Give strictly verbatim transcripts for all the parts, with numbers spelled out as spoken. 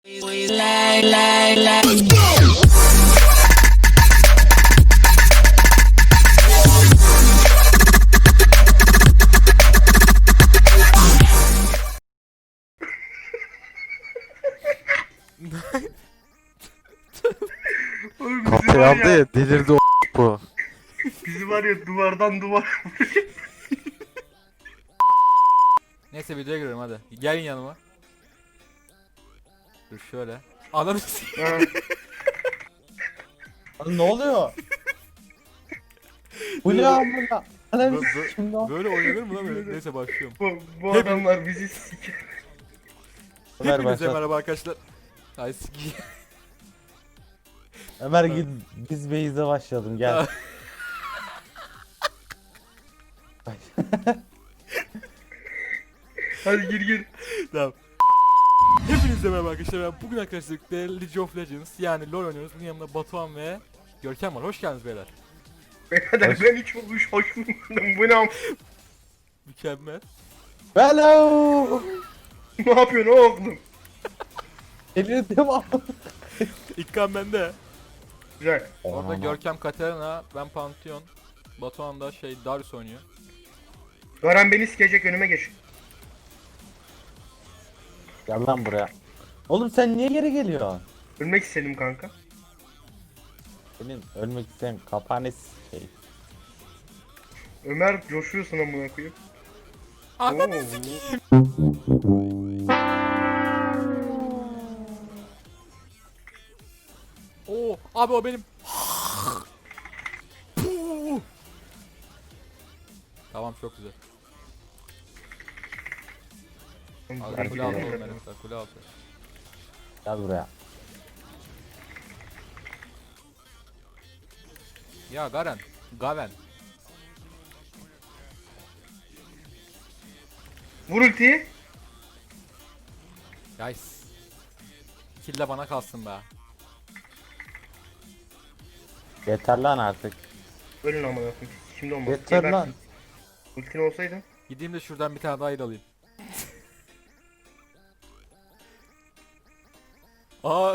Oğlum bizi Kafayı var aldı ya, ya delirdi o bu. bizi var ya duvardan duvar. Neyse videoya giriyorum hadi. Gelin yanıma. Dur şöyle. Ananı s- Ha, Lan ne oluyor? Bu ne amına? Ananı Bö- bö- şimdi o. Böyle oynanır mı lan böyle? Neyse başlıyorum. bu, bu Hep- adamlar bizi siker. Ömer Hepinize başlat. merhaba arkadaşlar. Ay siki. Ömer git biz Beyz'e başlayalım gel. Hadi gir gir. Tamam. Hepinize merhaba arkadaşlar. Ben bugün arkadaşlar League of Legends yani LoL oynuyoruz. Bunun yanında Batuhan ve Görkem var. Hoş geldiniz beyler. Birader Hoş- ben hiç hoş, hoş bulmadım. Bu ne am- Mükemmel. Hello. Ne yapıyorsun oğlum? Delirdim ama. İlkan bende. Güzel. Orada Görkem Katarina, ben Pantheon. Batuhan da şey Darius oynuyor. Garan beni sikecek, önüme geç. Gel lan buraya. Oğlum sen niye geri geliyorsun? Ölmek istedim kanka. Senin ölmek isteyen kapağını şey. Ömer coşuyorsun amına koyayım. Ananı Oo. sikeyim. Oo abi o benim. Puh. Tamam çok güzel. Abi kule altı oğlum benim mesela kule altı. Gel buraya. Ya Garen. Gaven. Vur ultiyi. Guys. Kill de bana kalsın be. Yeter lan artık. Ölün amına koyayım. Şimdi olmaz. Yeter Gebersin. lan. Ultin olsaydı. Gideyim de şuradan bir tane daha il alayım. Aa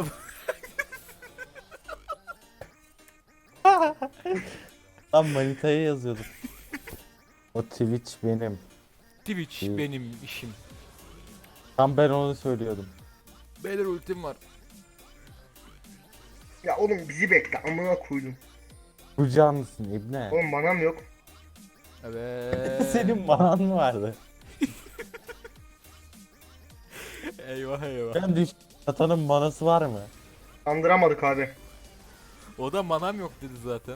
Lan manitaya yazıyordum. O Twitch benim. Twitch İyi. benim işim. Tam ben onu söylüyordum. Beyler ultim var. Ya oğlum bizi bekle amına koydum. Bu canlısın ibne. Oğlum manam yok. Evet. Senin manan mı vardı? Eyvah eyvah. Ben düş. Satanın manası var mı? Andıramadık abi. O da manam yok dedi zaten.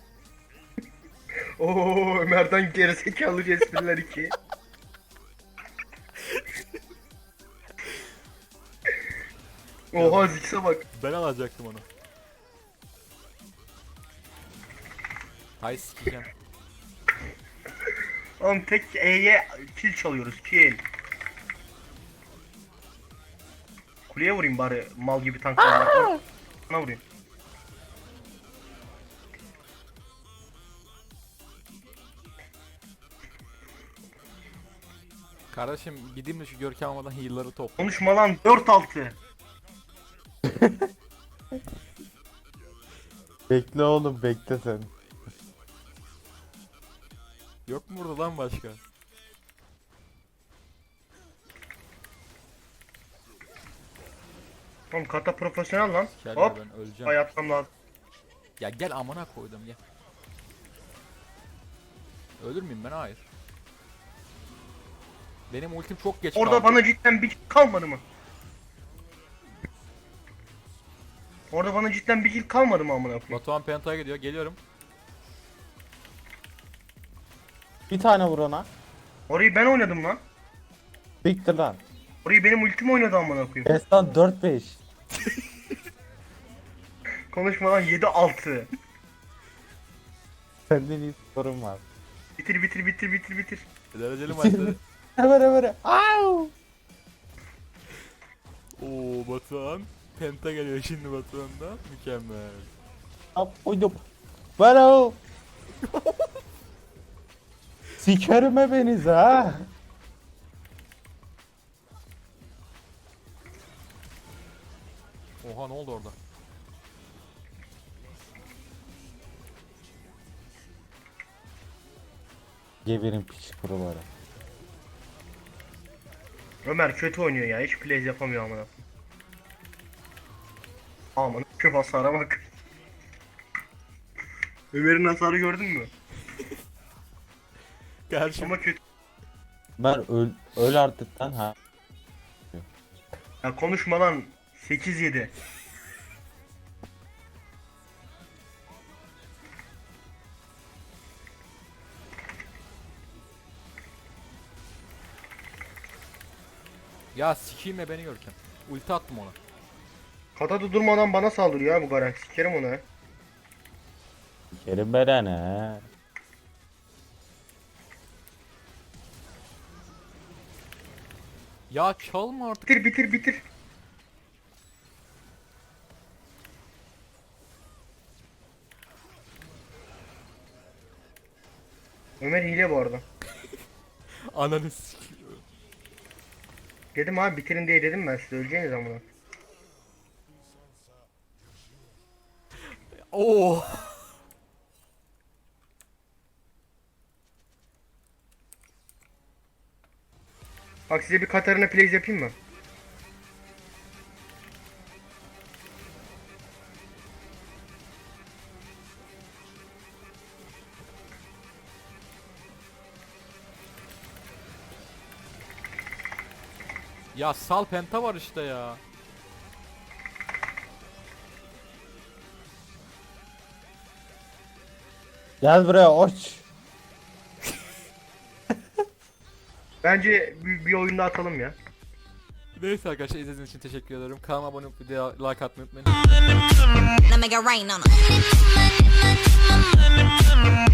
Oo Ömer'den gerizekalı espriler iki. Oha Zix'e bak. Ben alacaktım onu. Hay sikeceğim. Oğlum tek E'ye kill çalıyoruz, kill. Kuleye vurayım bari mal gibi tanklarla. Bana vurayım. Kardeşim gideyim de şu Görkem almadan heal'ları topla. Konuşma lan dört altı. Bekle oğlum bekle sen. Yok mu burada lan başka? Oğlum kata profesyonel lan. Gel Hop. ben öleceğim. Hayatım lazım. Ya gel amına koydum gel. Ölür müyüm ben? Hayır. Benim ultim çok geç Orada kaldı. bana cidden bir kill kalmadı mı? Orada bana cidden bir kill kalmadı mı amına koyayım? Batuhan Penta'ya gidiyor. Geliyorum. Bir tane vur ona. Orayı ben oynadım lan. Bitti lan. Orayı benim ultim oynadı amına koyayım. Destan dört beş. Konuşma lan yedi altı. Senden iyi sorun var. Bitir bitir bitir bitir bitir. Dereceli maçları. Hemen hemen. Au! Oo Batuhan. Penta geliyor şimdi Batuhan'dan. Mükemmel. Hop uydum. Bana. Sikerim hepiniz ha. Oha ne oldu orada? Geberin piç kuruları. Ömer kötü oynuyor ya. Hiç plays yapamıyor amına. Aman şu hasara bak. Ömer'in hasarı gördün mü? Kardeşim. Ama kötü. Ben öl, öl artık lan ha. Ya konuşma lan. sekiz yedi. Ya sikiyim beni Görkem. Ulti attım ona. Kata durmadan bana saldırıyor ya bu Garen. Sikerim onu ha. Kerim Beren he. Ya çalma artık. Bitir bitir bitir. Ömer hile bu arada. Ananı sikiyor. Dedim abi bitirin diye dedim ben size öleceğiniz amına. Oo. Bak size bir Katarina plays yapayım mı? Ya sal penta var işte ya. Gel buraya oç. Bence bir, bir oyunda atalım ya. Neyse arkadaşlar izlediğiniz için teşekkür ederim. Kanalıma abone olup videoya like atmayı unutmayın. Now make it rain on 'em.